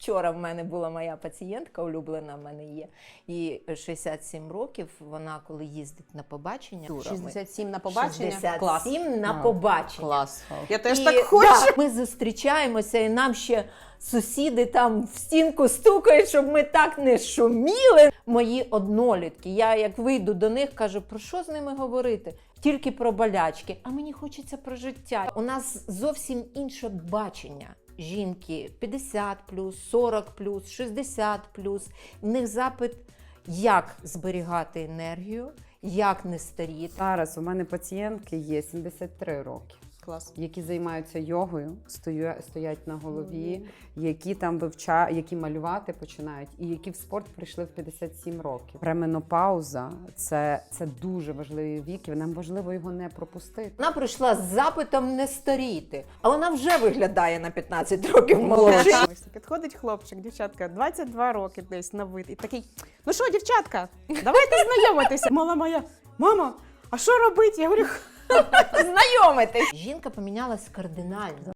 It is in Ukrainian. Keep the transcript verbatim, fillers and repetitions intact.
Вчора в мене була моя пацієнтка, улюблена в мене є, їй шістдесят сім років, вона коли їздить на побачення. шістдесят сім на побачення? шістдесят Клас. сім на А, побачення. Клас. Я теж І, так хочу. да, ми зустрічаємося, і нам ще сусіди там в стінку стукають, щоб ми так не шуміли. Мої однолітки, я як вийду до них, кажу, про що з ними говорити? Тільки про болячки, а мені хочеться про життя. У нас зовсім інше бачення. Жінки п'ятдесят плюс, сорок плюс, шістдесят плюс. В них запит, як зберігати енергію, як не старіти. Зараз у мене пацієнтки є сімдесят три роки, Клас. які займаються йогою, стою- стоять на голові, які там вивчають, які малювати починають, і які в спорт прийшли в п'ятдесят сім років. Пременопауза це, це дуже важливий вік, і нам важливо його не пропустити. Вона прийшла з запитом не старіти, а вона вже виглядає на п'ятнадцять років молодше. Ось підходить хлопчик, дівчатка, двадцять два роки десь на вид. І такий, ну що, дівчатка, давайте знайомитися. Мала моя, мама, а що робити? Я говорю, Знайомитись. Жінка помінялась кардинально.